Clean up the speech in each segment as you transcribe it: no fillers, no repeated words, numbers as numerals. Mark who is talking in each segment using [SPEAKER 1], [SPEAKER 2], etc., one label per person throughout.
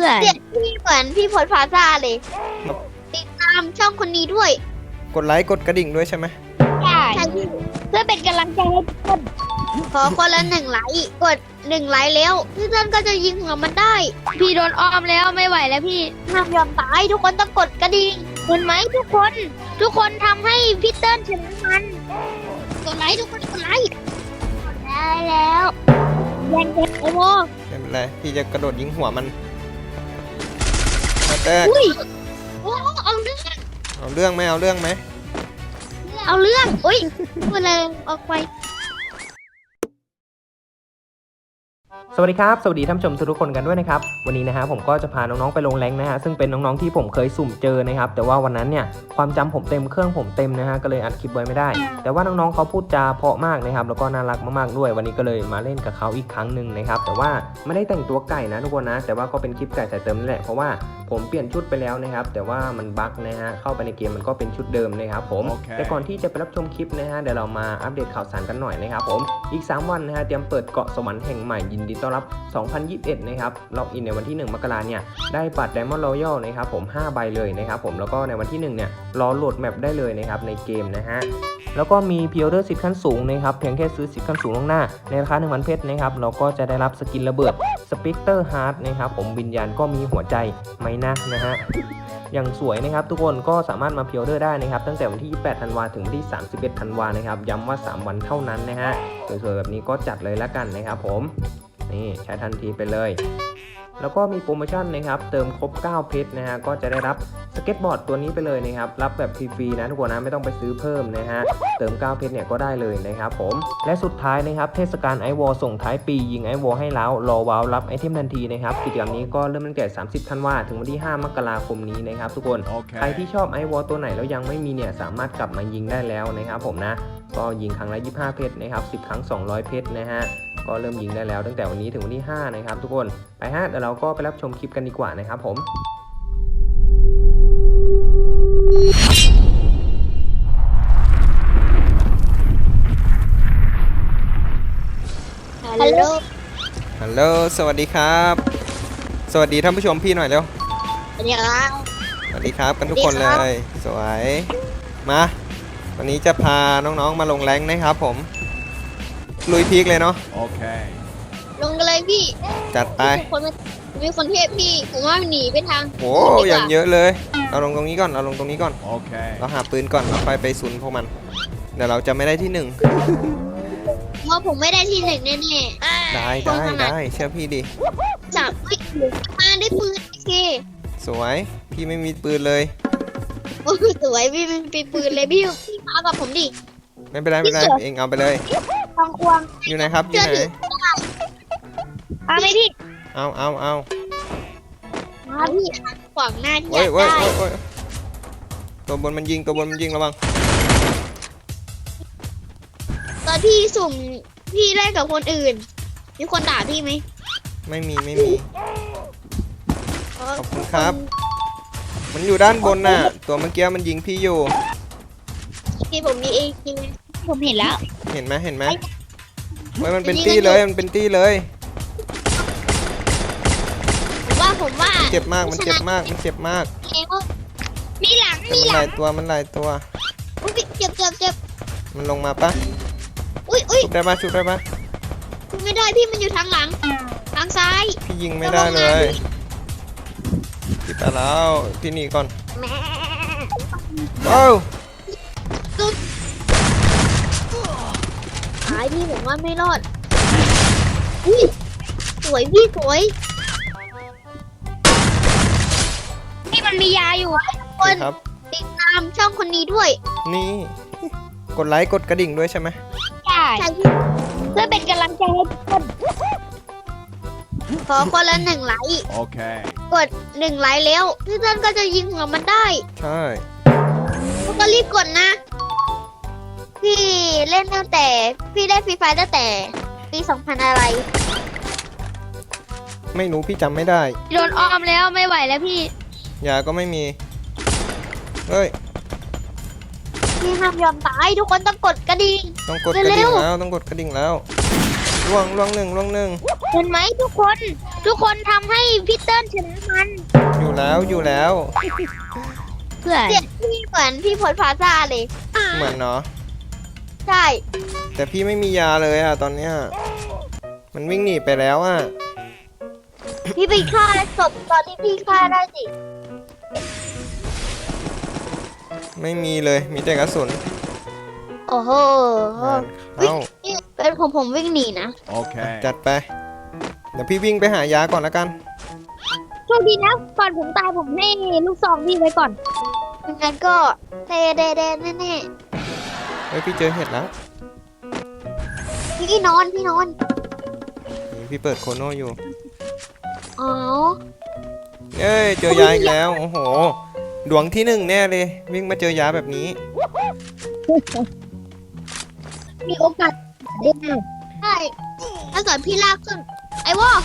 [SPEAKER 1] พื่อน
[SPEAKER 2] เสียงพี่เหมือนพี่พลพาซาเลยติดตามช่องคนนี้ด้วย
[SPEAKER 3] กดไลค์กดกระดิ่งด้วยใช่ไหม
[SPEAKER 1] ใช่
[SPEAKER 2] ใช่พี่
[SPEAKER 1] เพื่อเป็นกำลังใจให้ทุกคน
[SPEAKER 2] ขอคนละ1 ไลค์กด1 ไลค์แล้วพี่เติ้ลก็จะยิงหัวมันได้
[SPEAKER 1] พี่โดนอ้อมแล้วไม่ไหวแล้วพี่
[SPEAKER 2] ห้ามยอมตายทุกคนต้องกดกระดิ่ง
[SPEAKER 1] เห็นไหมทุกคนทำให้พี่เติ้ลชนะมัน
[SPEAKER 2] กดไลค์ทุกคนกดไลค์
[SPEAKER 1] ได้แล้วแย่งกันไอโม
[SPEAKER 3] ไม่เป็นไรพี่จะกระโดดยิงหัวมันมาแตก
[SPEAKER 2] อุ้ยโอ้เอาเรื่อง
[SPEAKER 3] เอาเรื่องไหมเอาเรื่องไหม
[SPEAKER 2] เอาเรื่องอุ้ยพูดเลยออกไป
[SPEAKER 4] สวัสดีครับสวัสดีท่านผู้ชมทุกคนกันด้วยนะครับวันนี้นะฮะผมก็จะพาน้องๆไปลงแรงนะฮะซึ่งเป็นน้องๆที่ผมเคยสุ่มเจอนะครับแต่ว่าวันนั้นเนี่ยความจำผมเต็มเครื่องผมเต็มนะฮะก็เลยอัดคลิปไว้ไม่ได้แต่ว่าน้องๆเขาพูดจาเพราะมากนะครับแล้วก็น่ารักมากๆด้วยวันนี้ก็เลยมาเล่นกับเขาอีกครั้งหนึ่งนะครับแต่ว่าไม่ได้แต่งตัวไก่นะทุกคนนะแต่ว่าก็เป็นคลิปไก่ใส่เติมนั่นแหละเพราะว่าผมเปลี่ยนชุดไปแล้วนะครับแต่ว่ามันบั๊กนะฮะเข้าไปในเกมมันก็เป็นชุดเดิมนะครับผม แต่ก่อนที่จะไปรับชมคลิปนะฮะเดี๋ยวเรามาอัปเดตข่าวสารกันหน่อยนะครับผมอีก3วันนะฮะเตรียมเปิดเกาะสวรรค์แห่งใหม่ยินดีต้อนรับ2021นะครับล็อกอินในวันที่1 มกราเนี่ยได้บัตร Diamond Royal นะครับผม5 ใบเลยนะครับผมแล้วก็ในวันที่1เนี่ยรอโหลดแมปได้เลยนะครับในเกมนะฮะแล้วก็มีพรีออเดอร์สิทธิ์ขั้นสูงนะครับเพียงแค่ซื้อสิทธิ์ขั้นสูงล่วงหน้าในราคา 1,000 เพชรนะครับเราก็จะได้รับสกินระเบิดสเปกเตอร์ฮาร์ดนะครับผมวิญญาณก็มีหัวใจไหมนะฮะอย่างสวยนะครับทุกคนก็สามารถมาพรีออเดอร์ได้นะครับตั้งแต่วันที่ 28 ธันวาถึงวันที่ 31 ธันวานะครับย้ำว่า3 วันเท่านั้นนะฮะสวยๆแบบนี้ก็จัดเลยละกันนะครับผมนี่ใช้ทันทีไปเลยแล้วก็มีโปรโมชั่นนะครับเติมครบ9เพชรนะฮะก็จะได้รับสเก็ตบอร์ดตัวนี้ไปเลยนะครับรับแบบฟรีๆนะทุกคนนะไม่ต้องไปซื้อเพิ่มนะฮะเติม9เพชรเนี่ยก็ได้เลยนะครับผมและสุดท้ายนะครับเทศกาลไอวอลส่งท้ายปียิงไอวอลให้แล้วรอว้าวรับไอเทมทันทีนะครับกิจกรรมนี้ก็เริ่มตั้งแต่30 ธันวาถึงวันที่ 5 มกราคมนี้นะครับทุกคนใครที่ชอบไอวอลตัวไหนแล้วยังไม่มีเนี่ยสามารถกลับมายิงได้แล้วนะครับผมนะก็ยิงครั้งละ25 เพชรนะครับ10 ครั้ง200 เพชรนะฮะก็เริ่มยิงได้แล้วตั้งแต่วันนี้ถึงวันที่5นะครับทุกคนไปฮะเดี๋ยวเราก็ไปรับชมคลิปกันดีกว่านะครับผม
[SPEAKER 2] ฮัลโหล
[SPEAKER 3] ฮัลโหลสวัสดีครับสวัสดีท่านผู้ชมพี่หน่อยเร็ว
[SPEAKER 2] สวัสดีครับ
[SPEAKER 3] สวัสดีครับกันทุกคน
[SPEAKER 2] สวั
[SPEAKER 3] เล
[SPEAKER 2] สดีครับ
[SPEAKER 3] ยสวยมาวันนี้จะพาน้องๆมาลงแรงนะครับผมลุยพีคเลยเนาะ
[SPEAKER 2] ลงกันเลยพี่
[SPEAKER 3] จัดไป
[SPEAKER 2] มีคนเทพพี่ผมว่าหนีไปทาง
[SPEAKER 3] โอ้
[SPEAKER 2] ดีกว่า
[SPEAKER 3] อย่างเยอะเลยเอาลงตรงนี้ก่อนเอาลงตรงนี้ก่อน
[SPEAKER 5] Okay.
[SPEAKER 3] เราหาปืนก่อนเราไปซุนพวกมันเดี๋ยวเราจะไม่ได้ที่ 1
[SPEAKER 2] เพราะผมไม่ได้ที่ 1แน่
[SPEAKER 3] ได้เชื่อพี่ดิ
[SPEAKER 2] ๆจับไม่ถูกมาได้ปืนโอเค
[SPEAKER 3] สวยพี่ไม่มีปืนเลย
[SPEAKER 2] โอ้สวยพี่มันเป็นปืนเลยพี่มากับผมดิ
[SPEAKER 3] ไม่เป็นไรไม่เป็นไรเองเอาไปเลย
[SPEAKER 2] ควงควง
[SPEAKER 3] อยู่ไหนครับอยู่ไหน
[SPEAKER 2] มาไหมพี่
[SPEAKER 3] เอา
[SPEAKER 2] มาพี่ขวางหน้าที่อ
[SPEAKER 3] โอ้ย
[SPEAKER 2] ยาก
[SPEAKER 3] โอ้ย
[SPEAKER 2] ได้
[SPEAKER 3] โอ้ยตัวบนมันยิงระวัง
[SPEAKER 2] ตอนพี่สุ่มพี่เล่นกับคนอื่น มีคนด่าพี่ไหม
[SPEAKER 3] ไม่มีขอบคุณครับ มันอยู่ด้านบนน่ะตัวเมื่อกี้มันยิงพี่อยู่
[SPEAKER 2] พี่ผมมีเองจริง
[SPEAKER 1] ผมเห็นแล้ว
[SPEAKER 3] เห็นไหมเฮ้ยมันเป็นตี้เลยมันเป็นตี้เลย
[SPEAKER 2] ผมว่า
[SPEAKER 3] มันเจ็บมาก
[SPEAKER 2] เองว่ามีหลัง
[SPEAKER 3] แต่
[SPEAKER 2] มี
[SPEAKER 3] มัน
[SPEAKER 2] ห
[SPEAKER 3] ห
[SPEAKER 2] ลั
[SPEAKER 3] ลาง ยตัว
[SPEAKER 2] อุ้ยเจ็บ
[SPEAKER 3] มันลงมาปะ
[SPEAKER 2] อุ้ย
[SPEAKER 3] ชุบได้ปะ
[SPEAKER 2] ไม่ได้พี่มันอยู่ทางหลังทางซ้าย
[SPEAKER 3] พี่ยิงไม่ได้เลยพี่ไปแล้วพี่หนีก่อน
[SPEAKER 2] แม่
[SPEAKER 3] โอ้ว
[SPEAKER 2] หายพี่ผมว่าไม่รอดอุ้ยสวยพี่สวย
[SPEAKER 1] นี่มันมียาอยู่
[SPEAKER 2] คน
[SPEAKER 3] ครับ
[SPEAKER 2] ติดตามช่องคนนี้ด้วย
[SPEAKER 3] นี่ กดไลค์กดกระดิ่งด้วยใช่ไหม
[SPEAKER 1] ใช่
[SPEAKER 2] ใช่พี่
[SPEAKER 1] เพื่อเป็นกำลังใจให้ทุกคน
[SPEAKER 2] ขอคนละ1 ไลค์
[SPEAKER 5] Okay.
[SPEAKER 2] กด1 ไลค์แล้วพี่เติ้ลก็จะยิงหัวมันได้
[SPEAKER 3] ใช่
[SPEAKER 2] แล้วก็รีบกดนะ พี่เล่นตั้งแต่พี่ได้ฟรีไฟตั้งแต่ปี 2000 อะไร
[SPEAKER 3] ไม่รู้พี่จำไม่ได้
[SPEAKER 1] โดนอ้อมแล้วไม่ไหวแล้วพี่
[SPEAKER 3] ยาก็ไม่มีเฮ้ย
[SPEAKER 2] พี่ห้ามยอมตายทุกคนต้องกดกระดิ่ง
[SPEAKER 3] ต้องกดกระดิ่งแล้วล่วงล่วงหนึ่งล่วงหนึ่ง
[SPEAKER 1] เห็นไหมทุกคน ทุกคนทำให้พี่เติ้ลชนะมัน
[SPEAKER 3] อยู่แล้วอยู่แล้ว
[SPEAKER 1] เพื่อ
[SPEAKER 2] เสียงพี่เหมือนพี่พลพาซ่าเลย
[SPEAKER 3] เหมือนเนาะ
[SPEAKER 2] ใช่
[SPEAKER 3] แต่พี่ไม่มียาเลยอะตอนเนี้ยมันวิ่งหนีไปแล้วอะ
[SPEAKER 2] พี่ไปฆ่าศพตอนที่พี่ฆ่าได้สิ
[SPEAKER 3] ไม่มีเลยมีแต่กระสุน
[SPEAKER 2] โอ้โห
[SPEAKER 3] งานเข้า
[SPEAKER 2] นี่เป็นผมวิ่งหนีนะ
[SPEAKER 5] Okay.
[SPEAKER 3] จัดไป เดี๋ยวพี่วิ่งไปหายาก่อนแล้วกัน
[SPEAKER 1] โชคดีนะก่อนผมตายผมให้ลูกซองพี่ไว้ก่อน
[SPEAKER 2] งั้นก็เดแน่
[SPEAKER 3] เฮ้ยพี่เจอเห็ดแล้ว
[SPEAKER 2] ๆพี่นอน
[SPEAKER 3] นี่พี่เปิดโคโน่อยู่
[SPEAKER 2] อ๋อ
[SPEAKER 3] เอ้ยเจอยาอีกแล้วโอ้โหดวงที่หนึ่งแน่เลยวิ่งมาเจอยาแบบนี้
[SPEAKER 1] มีโอกาสได้ไหม
[SPEAKER 2] ใช่ถ้าเกิดพี่ลากขึ้น ไอ้วอ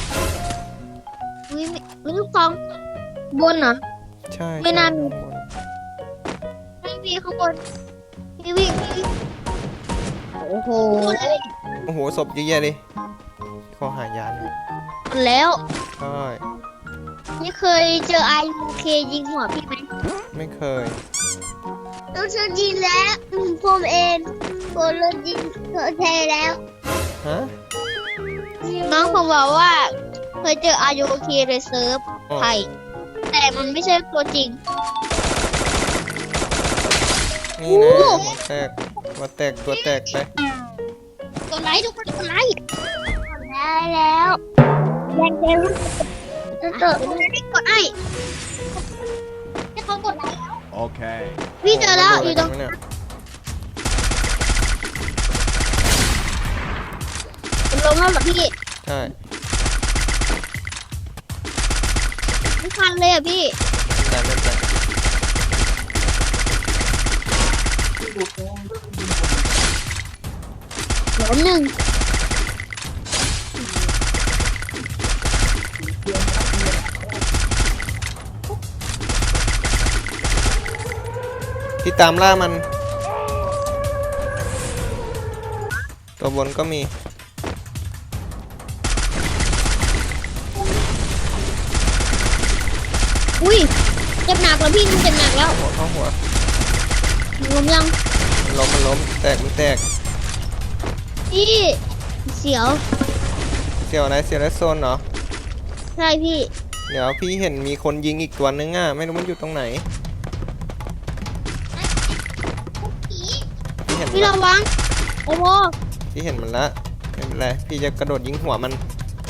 [SPEAKER 2] มีลูกซอง
[SPEAKER 1] บนเหรอ
[SPEAKER 3] ใช่
[SPEAKER 1] ไม่น่ามี
[SPEAKER 2] ไม่มีข้างบนพี่วิ่ง
[SPEAKER 1] โอ้โห
[SPEAKER 3] โอ้โหศพเยอะแยะเลยขอหายาหน่อย
[SPEAKER 2] แล้ว
[SPEAKER 3] ใช่
[SPEAKER 2] นี่เคยเจอ IUK ยิงหัวพี่ไหม
[SPEAKER 3] ไม่เคย
[SPEAKER 2] ต้องเชิญยิงแล้วผมเองผมโดนยิงเธอเทแล้ว
[SPEAKER 3] ฮะ
[SPEAKER 2] น้องผมบอกว่า เคยเจอ IUK ในเซิร์ฟ
[SPEAKER 3] อ๋อ
[SPEAKER 2] ไทยแต่มันไม่ใช่ตัวจริง
[SPEAKER 3] นี่นะหัวแตกหัวแตกตัวแตกไป
[SPEAKER 2] กดไลค์ทุกคนกดไลค์ได้แล้ว
[SPEAKER 1] แรงเจลูก
[SPEAKER 2] เตอร์ไม่กดไอ้ให้เขากดไลค์แล้ว
[SPEAKER 5] Okay.
[SPEAKER 2] พี่เจอแล้ว
[SPEAKER 3] โโห
[SPEAKER 2] อยู่ตรง
[SPEAKER 3] มันโดนอะไรกันวะเนี่ย
[SPEAKER 2] ผมลงแล้วเหรอพี่
[SPEAKER 3] ใช่
[SPEAKER 2] ไม่ทันเลยอ่ะพี่
[SPEAKER 3] ไม่เป็นไร
[SPEAKER 2] ล้มหนึ่ง
[SPEAKER 3] พี่ตามล่ามัน ตัวบนก็มี
[SPEAKER 2] อุ้ยเจ็บหนักแล้วพี่มันเจ็บหนักแล้ว
[SPEAKER 3] หัวเข้าหัว
[SPEAKER 2] ล้มยัง
[SPEAKER 3] มันล้มแตกมันแตก
[SPEAKER 2] พี่เสียว
[SPEAKER 3] เสียวอะไรเสียวไรโซนเหรอ
[SPEAKER 2] ใช่พี่
[SPEAKER 3] เดี๋ยวพี่เห็นมีคนยิงอีกตัวนึงอ่ะไม่รู้มันอยู่ตรงไหนพี่เห็นมัน
[SPEAKER 2] พี่
[SPEAKER 3] ละ
[SPEAKER 2] ระวังโอ้โห
[SPEAKER 3] พี่เห็นมันละไม่เป็นไรพี่จะกระโดดยิงหัวมัน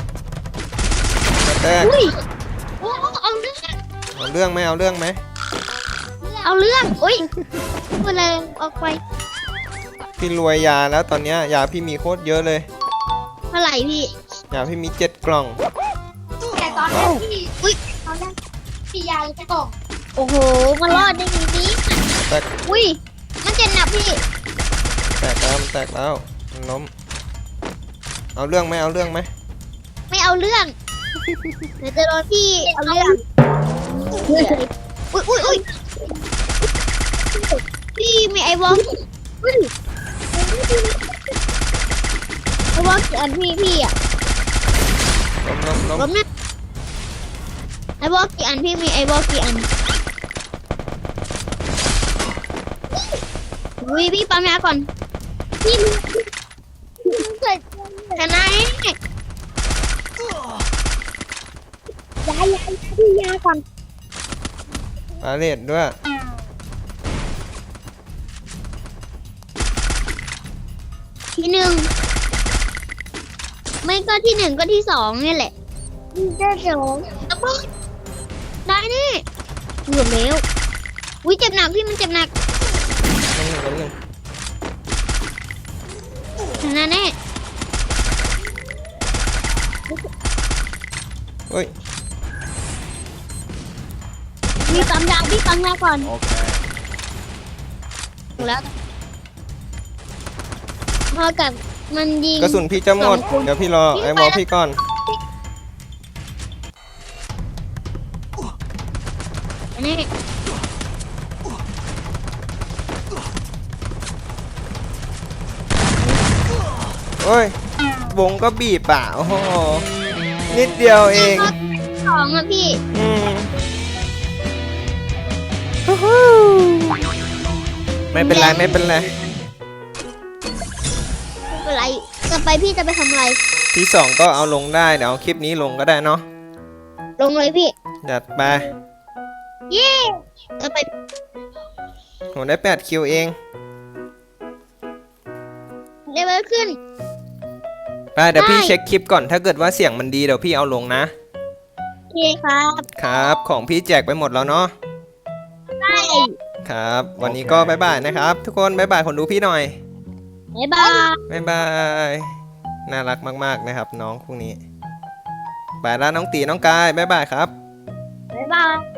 [SPEAKER 3] แตก
[SPEAKER 2] อุ้ยโอ้เอาเรื่อง
[SPEAKER 3] เอาเรื่องไหมเอาเรื่องไหม
[SPEAKER 2] เอาเรื่องอุ้ยพูดอะไรออกไป
[SPEAKER 3] พี่รวยยาแล้วตอนเนี้ยยาพี่มีโคตรเยอะเลย
[SPEAKER 2] เท่าไหร่พี่
[SPEAKER 3] ยาพี่มี7 กล่อง
[SPEAKER 2] แต่ตอนแรกพี่อุ้ยตอนแรกพี่ยาจะกล่องโอ้โหมันรอดได้ดีนี้
[SPEAKER 3] แตก
[SPEAKER 2] อุ้ยมันเจ็บหนักพี่
[SPEAKER 3] แตกแล้วมันแตกแล้วมันล้มเอาเรื่องไหมเอาเรื่องไหม
[SPEAKER 2] ไม่เอาเรื่องเดี๋ยวจะโดนพี่เอาเรื่องอุ้ยอุ้ยพี่มีไอวอลไอวอลกี่อันพี่อ่ะ
[SPEAKER 3] ล้ม
[SPEAKER 2] ล้มนะไอวอลกี่อันพี่มีไอวอลกี่อันอุ้ยพี่ปั๊มยาก่อนพี่เกิดชนะ
[SPEAKER 1] ยายพี่ยาก่อน
[SPEAKER 3] ปาเลดด้วย
[SPEAKER 2] ที่หนึ่งไม่ก็ที่หนึ่งก็ที่สองนี่แหละ
[SPEAKER 1] ได้สอง
[SPEAKER 2] แล้วก็ได้นี่เหลือแล้วอุ้ยเจ็บหนักพี่มันเจ็บหนัก
[SPEAKER 3] ล้มหนึ่ง
[SPEAKER 2] ชนะแน่
[SPEAKER 3] เฮ้ย
[SPEAKER 2] พี่ปั๊มยาก่อน
[SPEAKER 5] Okay.
[SPEAKER 2] ถูกแล้วพอกับมันยิง
[SPEAKER 3] กระสุนพี่จะหมด
[SPEAKER 2] 2 คน
[SPEAKER 3] เดี๋ยวพี่รอ
[SPEAKER 2] พี่
[SPEAKER 3] ไอ้
[SPEAKER 2] ไป
[SPEAKER 3] บอล
[SPEAKER 2] แล้ว
[SPEAKER 3] พี่ก่อน
[SPEAKER 2] นี่
[SPEAKER 3] เฮ้ยวงก็บีบอ่ะโอ้โหนิดเดียวเอง
[SPEAKER 2] สองอ่ะพี่
[SPEAKER 3] อืมฮู้ฮู้ไม่เป็นไรไม่เป็นไร
[SPEAKER 2] ไม่เป็นไรต่อไปพี่จะไปทำอะไร
[SPEAKER 3] ที่สองก็เอาลงได้เดี๋ยวเอาคลิปนี้ลงก็ได้เนาะ
[SPEAKER 2] ลงเลยพี่
[SPEAKER 3] จัดไป
[SPEAKER 2] เย้ต่อไป
[SPEAKER 3] ผมได้8คิวเอง
[SPEAKER 2] เลเวลขึ้น
[SPEAKER 3] ไปเดี๋ยวพี่
[SPEAKER 2] ได้
[SPEAKER 3] เช็คคลิปก่อนถ้าเกิดว่าเสียงมันดีเดี๋ยวพี่เอาลงนะ
[SPEAKER 2] โอเคครับ
[SPEAKER 3] ครับของพี่แจกไปหมดแล้วเนาะ
[SPEAKER 2] ได้
[SPEAKER 3] ครับ วันนี้ก็บ๊ายบายนะครับ ทุกคนบ๊ายบายคนดูพี่หน่อย
[SPEAKER 2] บ๊ายบาย
[SPEAKER 3] บ๊ายบายน่ารักมากๆนะครับน้องพวกนี้ไปแล้วน้องตีน้องกายบ๊ายบายครับ
[SPEAKER 2] บ๊ายบาย